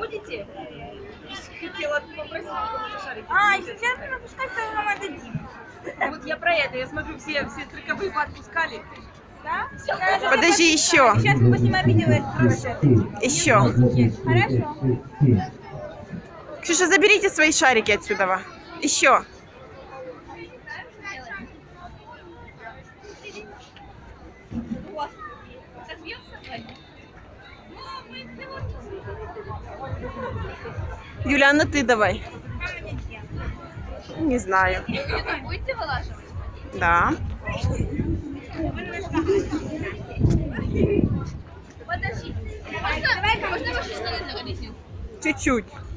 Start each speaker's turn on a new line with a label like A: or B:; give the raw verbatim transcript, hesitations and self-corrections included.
A: будете? Хотела попросить какого-то шарика.
B: А, сейчас не напускать, то нам отдадим.
A: Вот я про это. Я смотрю, все, все цирковые поотпускали.
B: Да?
C: Подожди, еще.
B: Сейчас мы поснимаем видео и отправим.
C: Еще.
B: Хорошо.
C: Ксюша, заберите свои шарики отсюда. Еще. Юля, ну ты давай. Не знаю.
B: Будете вылаживать?
C: Да.
B: Подожди. Можно, можно ваши штаны загорите?
C: Чуть-чуть.